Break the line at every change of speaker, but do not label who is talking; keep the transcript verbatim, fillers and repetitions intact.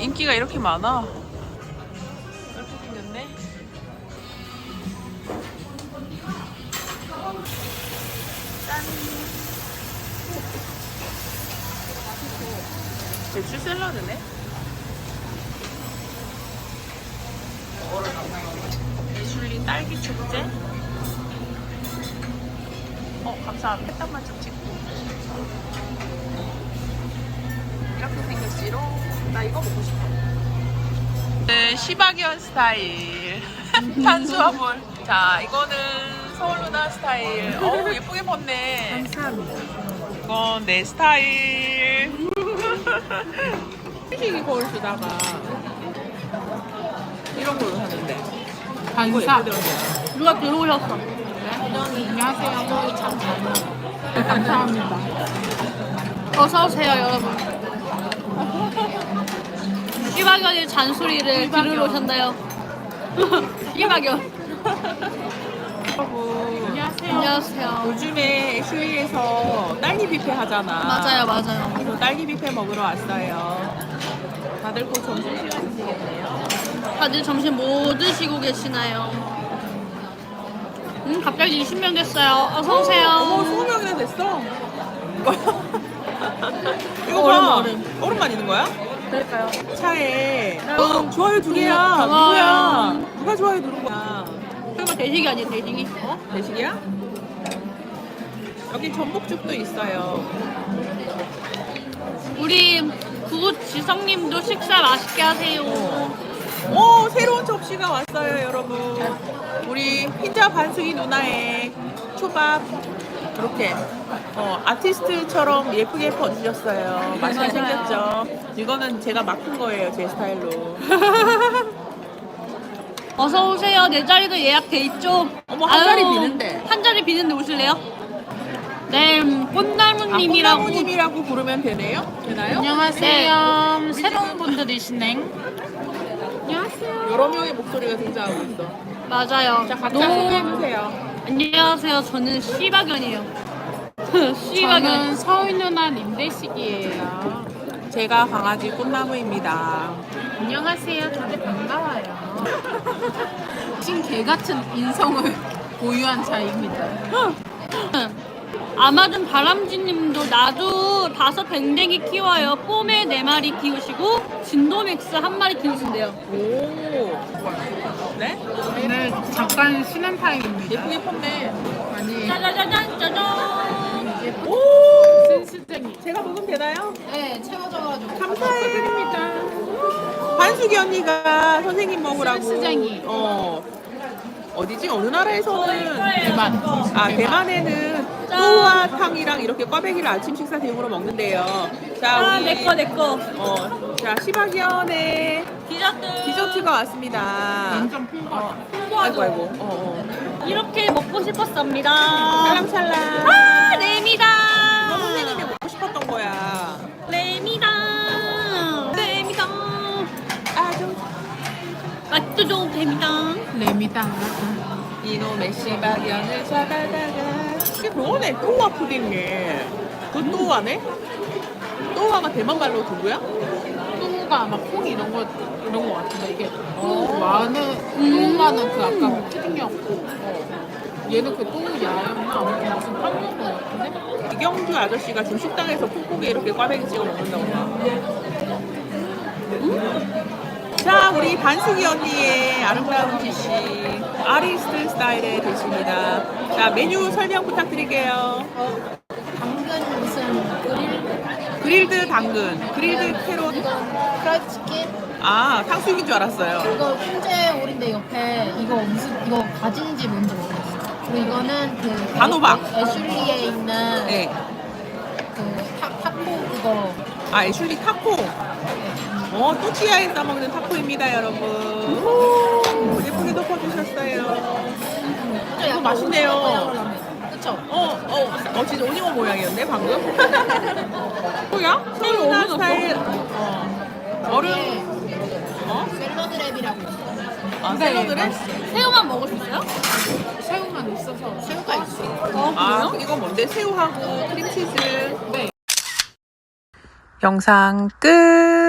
인기가 이렇게 많아. 이렇게 생겼네. 짠. 배추 샐러드네. 예술리 딸기 축제. 어, 감사합니다. 햇땀만 좀 찍고. 이렇게 생겼지롱. 나 이거 먹고 싶어. 네, 시바견 스타일. 탄수화물. 자, 이거는 서울루나 스타일. 어우, 예쁘게 벗네.
감사합니다.
이건 내 스타일.
솔직히 거울 쓰다가
이런 걸로 샀는데.
반사.
누가 들어오셨어?
안녕하세요. 참 잘 먹어. 감사합니다.
어서오세요, 여러분. 시바견의 잔소리를 들으러 오셨나요? 시바견.
여러분,
안녕하세요.
안녕하세요.
요즘에 애슐리에서 딸기 뷔페 하잖아.
맞아요, 맞아요.
그래서 딸기 뷔페 먹으러 왔어요. 다들 곧 점심시간이시겠네요.
다들 점심 뭐 드시고 계시나요? 음, 갑자기 이십 명 됐어요. 어서오세요.
어머, 이십 명이나 됐어. 이거
얼음,
봐.
얼음.
얼음만 있는 거야?
그럴까요?
차에.
어,
좋아요 두 개야.
고마워요.
누구야? 누가 좋아요 누른 거야?
설마 대식이 아니에요, 대식이?
어? 대식이야? 여기 전복죽도 있어요.
우리 구지성님도 식사 맛있게 하세요.
오, 새로운 접시가 왔어요, 여러분. 우리 흰자 반숙이 누나의 초밥. 이렇게 어, 아티스트처럼 예쁘게 퍼주셨어요. 맛있게
맞아요.
생겼죠? 이거는 제가 맡은 거예요, 제 스타일로.
어서 오세요. 내 자리도 예약돼 있죠.
어머, 한 자리 비는데.
한 자리 비는데 오실래요? 네, 음, 꽃나무님이라고.
아, 꽃나무님이라고 부르면 되네요? 되나요?
안녕하세요. 새로운 분들이시네.
안녕하세요.
여러 명의 목소리가 등장하고 있어.
맞아요.
자, 각자
너무-
소개해주세요.
안녕하세요. 저는 시바견이에요. 시바견.
저는 서울 누나 님대식이에요.
제가 강아지 꽃나무입니다.
안녕하세요. 다들 반가워요. 신개 같은 인성을 보유한 자입니다.
아마존 바람쥐님도 나도 다섯 뱅댕이 키워요. 뽀메 네 마리 키우시고 진도맥스 한 마리 키우신대요.
오. 네?
오늘 잠깐 쉬는 타임입니다.
예쁘게 폈네.
아니,
짜자자잔 짜잔.
오.
센스쟁이.
제가 먹으면 되나요?
네, 채워져가지고.
감사해요. 반숙이 언니가 선생님 먹으라고.
센스쟁이.
어. 어디지? 어느 나라에서는
대만.
아 대만에는 또우아탕이랑 이렇게 꽈배기를 아침 식사 대용으로 먹는데요. 자
아,
우리
내꺼 내꺼.
어, 자 시바견의
디저트.
디저트가 왔습니다.
완전 풍부하다.
아이고 아이고. 어, 어.
이렇게 먹고 싶었습니다.
찰랑찰랑.
아, 레미다.
너 선생님이 먹고 싶었던 거야.
레미다. 레미다.
아주
맛도 좋은 뱀이다.
레미다.
이놈의 시바견을 잡아다가 이게 그거네. 또우아 푸딩네. 그 또우아네? 또우아가 대만 말로 누구야?
뚜우가 아마 콩 이런 거 이런 거 같은데 이게 뚜우마는 뚜우마는 그 아까 그 푸딩이었고 어. 얘는 그 뚜우야였나 아무튼 무슨 빵인 거 같은데.
이경주 아저씨가 지금 식당에서 콩국에 이렇게 꽈배기 찍어 먹는다고 봐. 자, 우리 반숙이 언니의 아름다운 지시 아리스트 스타일의 대시입니다. 자, 메뉴 설명 부탁드릴게요.
당근 무슨 그릴
그릴드 당근, 그릴드 캐롯.
프라이드 치킨
아, 탕수육인 줄 알았어요.
이거 훈제 오리인데 옆에 이거 무슨 이거 가진지 뭔지 모르겠어. 그리고 이거는 그
단호박.
애- 애슐리에 있는
네.
그 타, 타코 그거
아, 애슐리 타코. 어, 또띠아에 싸먹는 타코입니다, 여러분. 오, 예쁘게 덮어주셨어요. 이거 맛있네요.
그쵸?
어, 어, 어, 진짜 오징어 모양이었네, 방금. 뭐야? 서울나 스타일. 어. 얼음. 어?
샐러드 랩이라고 있어.
아, 샐러드래?
새우만 먹을 수 있어요?
새우만 있어서
새우가 있어.
어,
아,
그래요?
이거 뭔데? 새우하고 크림치즈.
네.
영상 끝.